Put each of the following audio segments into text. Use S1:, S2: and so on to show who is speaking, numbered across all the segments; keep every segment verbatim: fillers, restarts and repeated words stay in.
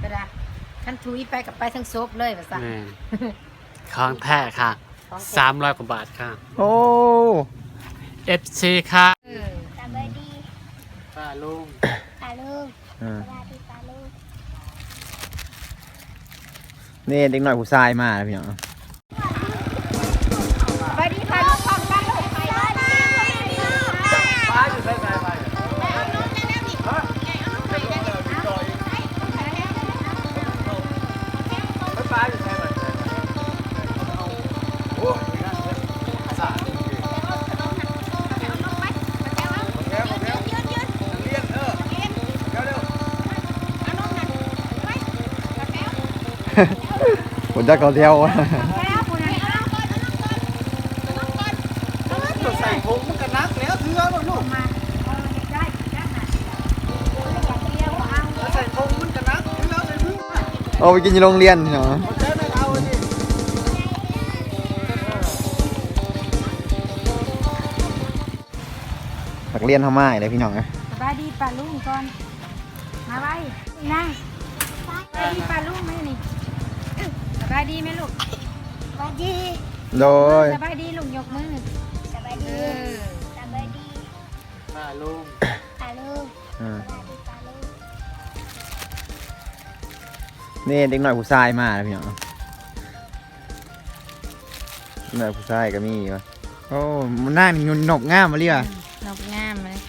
S1: ก็ได้ขั้นทุยไปกับไปทั้งซบเลยภาษา
S2: ของแท้ค่ะสามร้อยกว่าบาทค่ะ
S3: โอ้
S2: เอฟซีค่ะ
S4: สบายดี
S2: ป้าลุง
S4: ป้าลุงสบายดีป้าลุง
S3: นี่เด็กหน่อยผู้ชายมาแล้วพี่น้อง
S1: ไปดีค่ะลูกของกันลูกไป
S2: ไปอยู่ใส่ไปไปไปอยู่ใส่ไปโอ้สา
S3: ผมจะเขาเที่ยว
S2: ใส่ถุงมันก็นักแล้วเถื่อนลูกมาใส่ถุงมันก็นักเถื่อนเลยพึ่ง
S3: เอาไปกินในโรงเรียนเนาะนักเรียนทำไมเลยพี่น้องนะ
S1: สบายดีป้าลุงก่อนมาไว้นั่งสบายดีป้าลุงไหมนี่สบายดีไหมลูก
S4: สบายดี
S3: โดย
S1: สบายดีลุงยกมือ
S4: สบายดีสบายดี
S2: ป้าลุง
S4: ป้าลุงสบายดีป้าลุง
S3: นี่เด็กหน่อยผู้ชายมาแล้วพี่น้องหน่อยผู้ชายก็มีวะโอ้มันหน้ามีนกง่ามมาเรียก
S1: นกงามเลย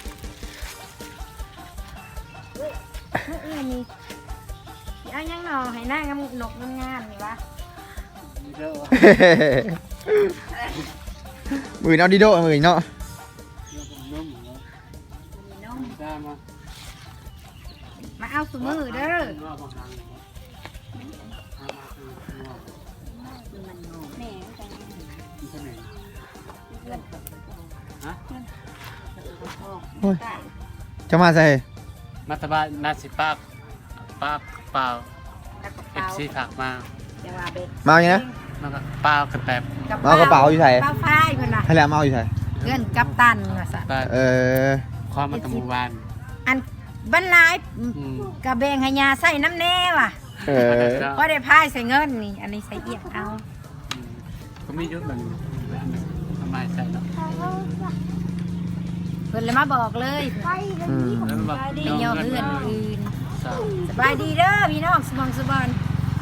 S1: เอ้ยนี่เอายังหนอให้หน้างามนกงามๆนี่วะ
S3: มือเอาดิโดมือเนาะ
S1: มาเอาสมือเด้อ
S3: จะมาใส่
S2: มาตบ้านนาสิป้าป้าเปล่าเอฟซีฝากมา
S3: มาอย่างนี้นะ
S2: มันก็เปล่ากระแตบ
S3: มาเอากระเป๋าอยู่ใส่
S1: เปล่าฝ้ายเพื่อนน่ะ
S3: ให้แล้วมาเอาอยู่ใส่
S1: เพื่อนกัปตันมาสัตว์
S3: เออ
S2: ความมันตะมูวาน
S1: อันบรรลัยกระเบงให้ยาใส่น้ำแน่ว่ะ
S3: เออ
S1: เพราะได้พายใส่เงินนี่อันนี้ใส่เอียดเอา
S2: ก็มียุทธมันทำไมใส่เนาะ
S1: เพื่อนเลยมาบอกเลยสบายดีเยอะเพื่อนอื่นสบายดีเด้อพี่น้องสมองสบอน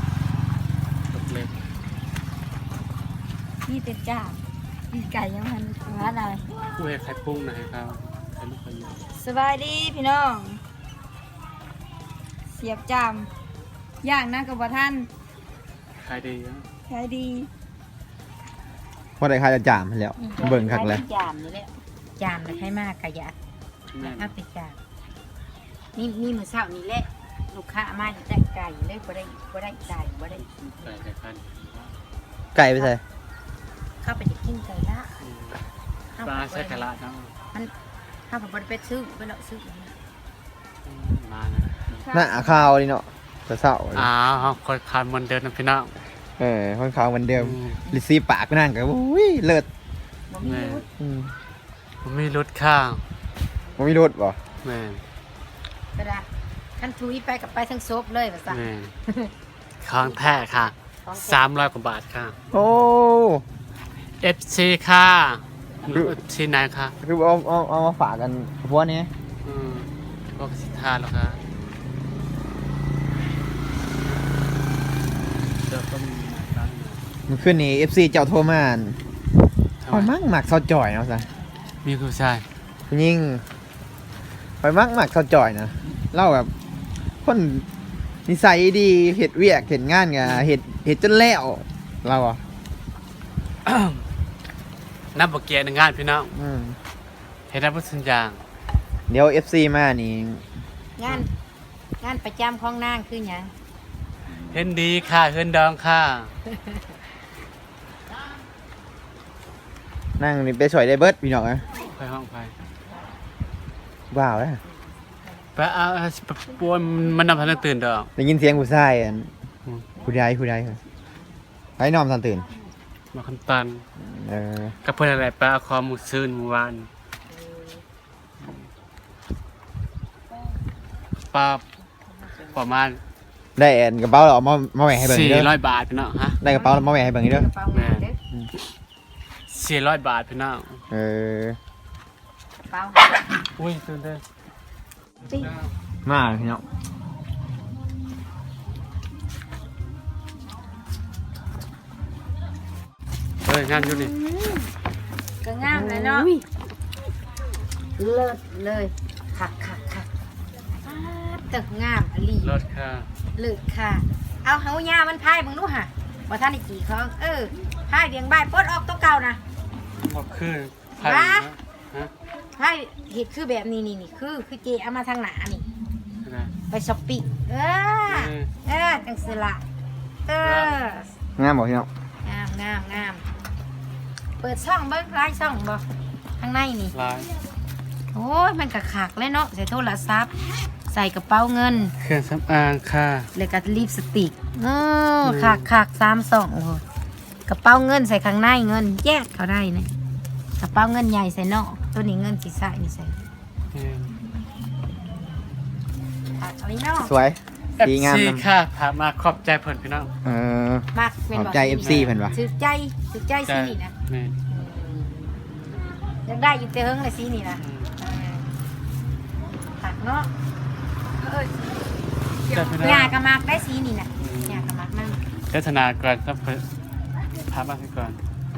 S1: นี่เต็มจ้าพี่ไก่ยังมันว่าอะไร
S2: กูเห็นไข่ปุ้งนะให้เขา
S1: สบายดีพี่น้องเสียบจามย่างนะกับว่าท่าน
S2: ขายดี
S1: ขายดี
S3: พอได้ใครจะจามแล้วเบิ่งคักเลย
S1: จามนี่แหละจามเลยให้มากกะยะเอาไปจามนี่นี่มือเช้านี่แหละลูกค้ามาจะแต่งไก่เลยบ่ได้บ่ได้ไก่บ่ได้
S2: ไก่ไก่พัน
S3: ไก่ไปใส่
S1: เข้าไปจะกินไก่ละ
S2: ปลาใช้ไก่ละเนาะ
S1: มันข้าวผัดบดเป็ดซื้อไปแล้วซื้อ
S2: มา
S3: หน้าข้าวนี่เนาะจะเศร้า
S2: อ๋อคนขายเหมือนเดิมนะพี่น้อง
S3: เออคนขาวเหมือนเดิมลิซี่ปากก็นั่งกันอุ้ยเลิศ
S2: ผมมีรถข้าง
S3: ผมมีรถป่ะ
S2: แม่
S1: ก็ได้ขั้นทุยไปกับไปทั้งซบเลยภาษา
S2: ของแท้ค่ะสามร้อยกว่าบาทค่ะ
S3: โอ้
S2: เอฟซีค่ะที่ไหนคะ
S3: คือเอาเอาเอามาฝากกันพวกนี้
S2: อืมก็สิทานแล้วค่ะเดี๋ยวก็มีร้าน
S3: มันขึ้นนี่เอฟซีเจ้าโทรมาคอยมักหมักซอจ่อยเนาะสิ
S2: มีผู้ชาย
S3: ผู้หญิงคอยมักหมักซอจ่อยนะเล่าแบบคนนิสัยดีเห็ดเวียกเห็ดงานไงเห็ดเห็ดจนแล้วเราอ่ะ
S2: นับบักเกียร์ในงานพี่น้องเห็นได้พูดสัญญา
S3: เดี๋ยวเอฟซีมานี่
S1: งานงานประจำของนางคือไง
S2: เห็นดีค่ะเห็นดองค่ะ
S3: นั่งนี่ไปสวยได้เบิร์ดพี่น้องนะ
S2: ไปห้องไป
S3: ว้าวเลย
S2: ไปเอาปวนมันนำทันตื่นดอก
S3: ได้ยินเสียงผู้ชายผู้ใดผู้ใดไปนอนทันตื่น
S2: มาคำตันกับเพื่อนอะไรไปเอาคอมูซื่นวานปลาประมาณ
S3: ได้แอนกระเป๋าเราเอามามาแหวกให้เบิ่ง
S2: สี่
S3: เด้อ
S2: ร้อยบาทพี่น้องฮะ
S3: ได้กระเป๋าเรามาแหวกให้เบิ่งเด้อก
S1: ระเป๋าเงินเด้อ
S2: สี่ร้อยบาทพี่น้อง
S3: เออก
S1: ระเป๋า
S2: อุ้ยตื่นเต้น
S1: ติ๊ก
S3: มาพี่น้อง
S2: เฮ้ยงานอยู่นี่
S1: ก็งามเลยเนาะเลิศเลยคักคักคักตึกงามอลี
S2: รถค่ะ
S1: เลิศค่ะ เอาเฮายามันพายมึงดูห่ะว่าท่านไอ้กี่เขาเออพายเดียงใบปลดออกตัวเก่านะ
S2: บอกคือไผ่
S1: วะ
S2: ฮะ
S1: พายเห็ดคือแบบนี้นี่นี่คือคือเจเอามาทางหนานี่
S2: นะ
S1: ไปช้อปปิ้งเออเออจังสละเออง
S3: ามบ่พี่น้อง
S1: งามงามงามเปิดช่องเบิ้งไลฟ์ช่องบ่ข้างในนี่
S2: ลาย
S1: โอ้ยมันกะขากเลยเนาะใส่โทรศัพท์ใส่กระเป๋าเงิน
S2: เครื่องสำอางค่ะ
S1: แล้วก็ลิปสติกเออขากขากสามสองโอ้โหกระเป๋าเงินใส่ข้างในเงินแยกเขาได้นะกระเป๋าเงินใหญ่ใส่นอกตัวนี้เงินสีใส่นี่ใส่
S2: อืม
S1: ขากอะไรนอก
S3: สวย
S2: เอฟ
S3: ดีงาม
S2: ซี
S3: นำ
S2: ค่ะพามาขอบใจเพิ่นพี่น้อง
S3: เออ
S1: มากเป็น
S3: ขอบใจ เอฟ ซี เพิ่นวะ
S1: ถือใจถือใจสีนี่นะ
S2: แม่น
S1: อยากได้อยู่เตเฮิงเลยสีนี่นะ
S2: อืม
S1: เออขากเนาะเออ
S2: แต่พี่น้
S1: ห
S2: อ
S1: ญ้าง กระมักได้สีนี่นะหญ้ากระมักนั่น
S2: เทศนาก่อนต้องเพิ่นพามาให้ก่อน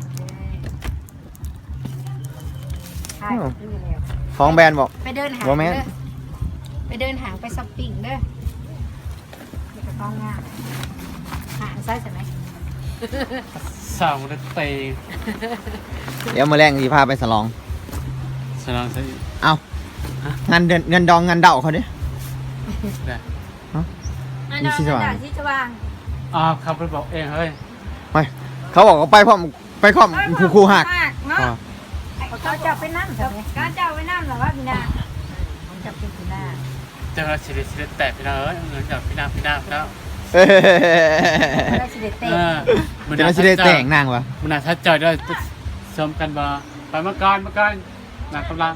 S1: ใช่ดูแล้ว
S3: ของแบรนด์บอก
S1: ไปเดินหาง
S3: บ่แม่น
S1: เด้อไปเดินหางไปช้อปปิ้งเด้อนี่ก็ต้องงามหางไซส์ใช่ไหม
S2: สาวมันเตะ
S3: เดี๋ยวมื้อแรงสิพาไปสลอง
S2: สนองซะอีก
S3: เอางานเดือนเงินดองเงินเดาเขาดิ
S2: ได้
S1: อัน
S3: นี่
S1: นั้น
S3: ที่สว่าง
S1: ที่สว่าง
S2: อ้าวเขาไปบอกเองเฮ้ย
S3: ไปเขาบอกว่าไปพร้อมไปพร้อมครูครูหัก
S1: เนาะ
S3: อ๋อ
S1: เขาจับไปนั่นใช่ไหมเขาจับไปนั่นเหรอวะพี่นาผมจับเป็นพี่นา
S2: เจ้าสิริสิริแตกพี่น้องเอ้ยเงินจากพี่นาพี่นาพี่นา
S3: เอ้ย
S1: ได้สิเด็ดเตะ
S2: เออ
S3: จะน่าสิได้แต่งนางวะ
S2: มันน่าทัดใจด้วยชมกันบ่ไปเมื่อก่อนเมื่อก่อนนางกำลัง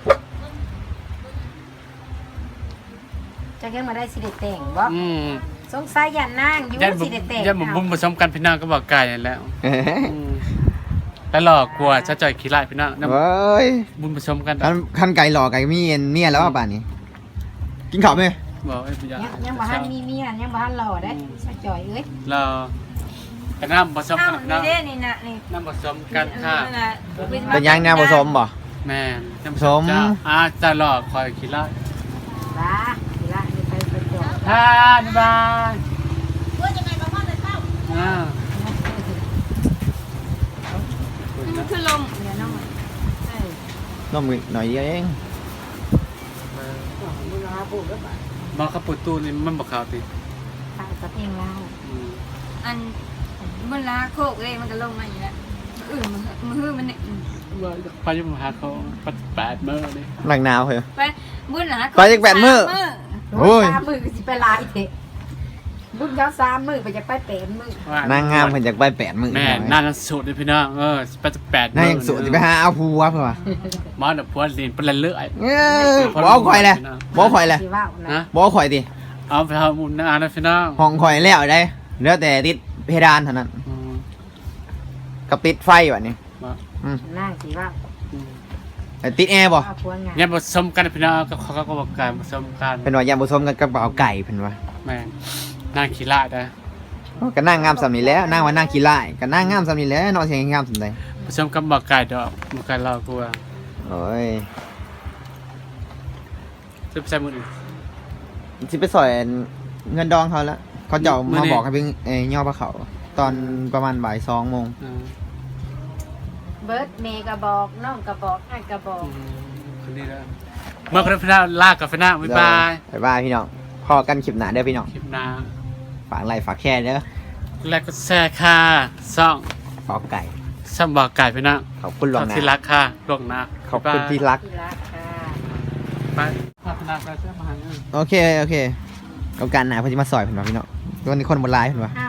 S1: จะเพิ่งมาได้สิเด็ดแต่งบ่
S2: อืม
S1: สงสัยยันนั่งอยู่
S2: ยันบุ
S1: สิเด็ดแต่ง
S2: ยันบุ้มผสมกันพี่น้องก็บอกไก่นั่นแหล้วอืมแล้วหลอกกลัวชัดจ่อยขี้ไล่พี่น้องน้ำ
S3: เว้ย
S2: บุ้มผสมกัน
S3: คันคันไก่หลอกไก่มีเอ็นเมียแล้วว่าป่านนี้ กินข้าวไหม
S2: บอกไอ้พี่ยา
S1: ยังยังบ่ทันมีเมียยังบ่ทันหล่อได้สะจ่อยเอ้ย
S2: เราแต่น้ำผสม
S1: เอ้า
S2: กัน
S1: นี่
S2: น้
S1: เด้นี่น่ะนี่
S2: ำน้ำผสมกันค่ะ
S3: เป็นยังแนวผสมบ่
S2: แม่น้ำ
S3: ผสม
S2: เจ้าอาจะหลอกคอยขี้ไล่
S1: บ้าทีละนี่ไปไปจ่อย
S2: ฮ่าบ๊ายบายว่ายังไงบ้างพ่อจะเข้าอ่า
S1: คือลมเดี๋ยวน้องเอ้ย
S3: น้องมือหน่อยเดียวเอง
S2: มองขับปุตูนี่มันบอกข่าวติ
S1: ตายกับเองแล้ว
S2: อืม
S5: อันมันลาโคกเลยมันก็ลงมาอยู่แล้วอื่นมันมันฮือมันเนี่ย
S2: ว่าไปอยุ่งหาเขาปัดแปดเมื่อเลย
S3: หนักหนาวเหรอ
S5: ไปบุญหลา
S3: ไปอีกแปดมื้อ
S5: สา
S3: โอ้ย
S1: สามมือก็สิไปลายเถอะบุญเขาสามมือไปจะไปแปดมือ
S2: ว่
S3: นางงามเพิ่นจากไปแปดมือ
S2: แม่น่าจะสูตรเลยพี่น้องเออแปดแปด
S3: นางยังสุดจะไปหาเอาผัวเพื่อวะ
S2: มอดผัวลีนเป็นเลื่อย
S3: เอ้ยบ่เอาข่อยเลยบ่เอาข่อยเลย
S1: สิว่าวนะ
S2: นะ
S3: บ่เอาข่อยติ
S2: เอาไปทำบุญนะนะพี่น้อง
S3: ห้องข่อยแล้วได้เหลือแต่ติดเพดานเท่านั้น
S2: อืม
S3: กับติดไฟแบบนี้
S2: ว่า
S3: อืม
S1: นั่งสิว่าว
S2: อืม
S3: แต่ติดแอร์บ่
S1: เอาพวงงาน
S2: เนี่ยผสมกันพี่น้องก็เขาก็บอกกันผสมกัน
S3: เป็นว่ายามผสมกันกับเอาไก่เพิ่นว่า
S2: แม่นางขี้ละได้
S3: ก็นั่งงามสำนี้แล้วนั่งว่านั่งขี้ร้ายก็นั่งงามสำนี้แล้วนอนเสียงงามสำใด
S2: ผสมกับบอกไก่ดอกบอกไก่เรากลัว
S3: โอ้ย
S2: จะไปใส่มืออื่น
S3: สิไปสอยเงินดองเขาแล้วเขาจะเอา
S2: มื้อ
S3: มา
S2: นี้
S3: บอกให้เป็นเอ่อย่อพระเขา ตอนประมาณบ่ายสองโมง
S2: อืม
S1: เบิร์ดเมย์กระบอกน้องกระบอกไอ้กระบอก
S2: อืมคนนี้แล้วเมื่อคนพี่น้องลากกับพี่น้องบ๊ายบาย
S3: บ๊ายบายพี่น้องพอกันคลิปหน้าเด้อพี่น้อง
S2: คลิปหน้า
S3: ฝากไลค์ฝากแชร์เด้อ
S2: แล้วก็แซ่ค่ะซ่อง
S3: ปอกไก่
S2: ซ่อมบอกไก่พี่น้อง
S3: ขอบคุณหลว
S2: ข
S3: ง
S2: อบ
S3: นะ
S2: ที่รักค่ะหลวงนะ
S3: ขอบคุณที่รัก
S1: ที่รักค่ะ
S2: ไปพัฒนาไปเสื้อมาหาเงิน
S3: โอเคโอเคโอกาสหน้าเพิ่นสิมาซอยเพิ่นว่าพี่น้องวันนี้คนบ่หลายเพิ่นว่า
S1: อ่า